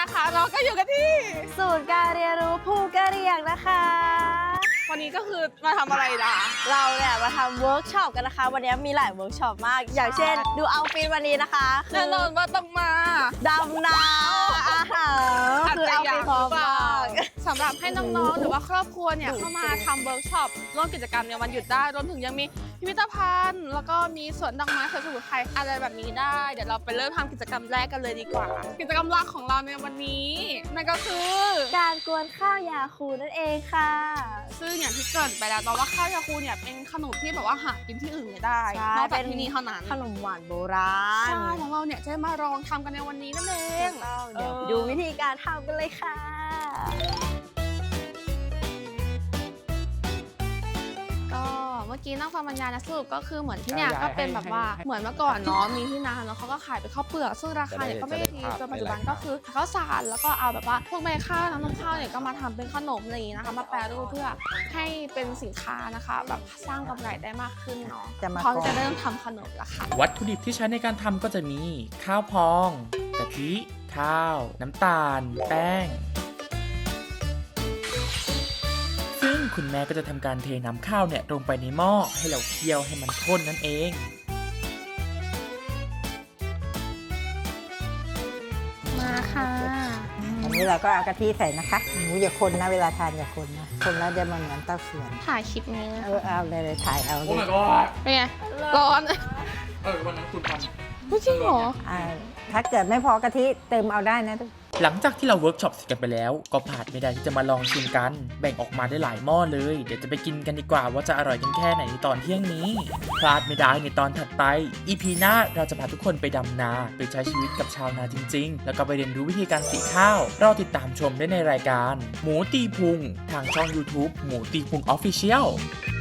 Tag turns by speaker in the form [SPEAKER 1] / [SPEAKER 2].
[SPEAKER 1] นะคะเราก็อยู่กันที่
[SPEAKER 2] ศูนย์การเรียนรู้ภูกระเหรี่ยงนะคะ
[SPEAKER 1] วันนี้ก็คือมาทำอะไรล่ะ
[SPEAKER 2] เราเนี่ยมาทำเวิร์กช็อปกันนะคะ วันนี้มีหลายเวิร์กช็อปมาก อย่างเช่น ดูเอาท์ฟิตวันนี้นะคะ
[SPEAKER 1] แน่นอนว่าต้องมา
[SPEAKER 2] ดำน้ำอาหารคือเอาท์ฟิตพร้อมมาก
[SPEAKER 1] สำหรับให้น้องๆหรือว่าครอบครัวเนี่ยเข้ามาทำเวิร์กช็อปร่วมกิจกรรมในวันหยุดได้รวมถึงยังมีพิพิธภัณฑ์ แล้วก็มีสวนดอกไม้สวนสมุนไพรอะไรแบบนี้ได้ เดี๋ยวเราไปเริ่มทำกิจกรรมแรกกันเลยดีกว่า กิจกรรมหลักของเราในวันนี้นั่นก็คือ
[SPEAKER 2] การกวนข้าวยาคูนั่นเองค่ะ
[SPEAKER 1] ซึ่งอย่างที่เกริ่นไปแล้วว่าข้าวยาคูเนี่ยเป็นขนมที่แบบว่าหากินที่อื่นไม่ได้
[SPEAKER 2] ใช่
[SPEAKER 1] นอกจากที่นี่เท่านั้น
[SPEAKER 2] ขนมหวานโบราณ
[SPEAKER 1] ใช่ของเราเนี่ยจะมาลองทำกันในวันนี้นั่นเอง
[SPEAKER 2] เดี๋ยวไปดูวิธีการทำกันเลยค่ะ
[SPEAKER 1] ก็เมื่อกี้นั่งฟังบรรยายนะสรุปก็คือเหมือนที่เนี่ยก็เป็นแบบว่าเหมือนเมื่อก่อนเนาะมีที่นาแล้วเขาก็ขายเป็นข้าวเปลือกซึ่งราคาเนี่ยก็ไม่ได้ดีจนปัจจุบันก็คือข้าวสารแล้วก็เอาแบบว่าพวกใบข้าวน้ำนมข้าวเนี่ยก็มาทำเป็นขนมอะไรอย่างนี้นะคะมาแปรรูปเพื่อให้เป็นสินค้านะคะแบบสร้างกำไรได้มากขึ้นเนาะพร้อมจะเริ่มทำขนมแล้วค่ะ
[SPEAKER 3] วัตถุดิบที่ใช้ในการทำก็จะมีข้าวพองกะทิข้าว น้ำตาล แป้ง ซึ่งคุณแม่ก็จะทำการเทน้ำข้าวเนี่ยลงไปในหม้อให้เราเคี่ยวให้มันข้นนั่นเอง
[SPEAKER 1] มาค่ะ
[SPEAKER 4] อันนี้เราก็เอากะทิใส่นะคะหมูอย่าคนนะเวลาทานอย่าคนนะคนแล้วเดี๋ยวมันเหมือนเต้าเสื่อม
[SPEAKER 1] ถ่ายคลิปนี้นะ
[SPEAKER 4] เอาเลยถ่ายเอาเลย
[SPEAKER 1] เป็นไงร้อน
[SPEAKER 3] วันนั้นคุณท
[SPEAKER 1] ไม่จริงเหรอ
[SPEAKER 4] ถ้าเกิดไม่พอกะทิเติมเอาได้นะ
[SPEAKER 3] หลังจากที่เราเวิร์กช็อปเสร็จกันไปแล้ว ก็พลาดไม่ได้ที่จะมาลองชิมกัน แบ่งออกมาได้หลายหม้อเลย เดี๋ยวจะไปกินกันดีกว่าว่าจะอร่อยกันแค่ไหนในตอนเที่ยงนี้ พลาดไม่ได้ในตอนถัดไป EP หน้าเราจะพาทุกคนไปดำนา ไปใช้ชีวิตกับชาวนาจริงๆ แล้วก็ไปเรียนรู้วิธีการสีข้าวเราติดตามชมได้ในรายการ หมูตีพุงทางช่อง YouTube หมูตีพุง Official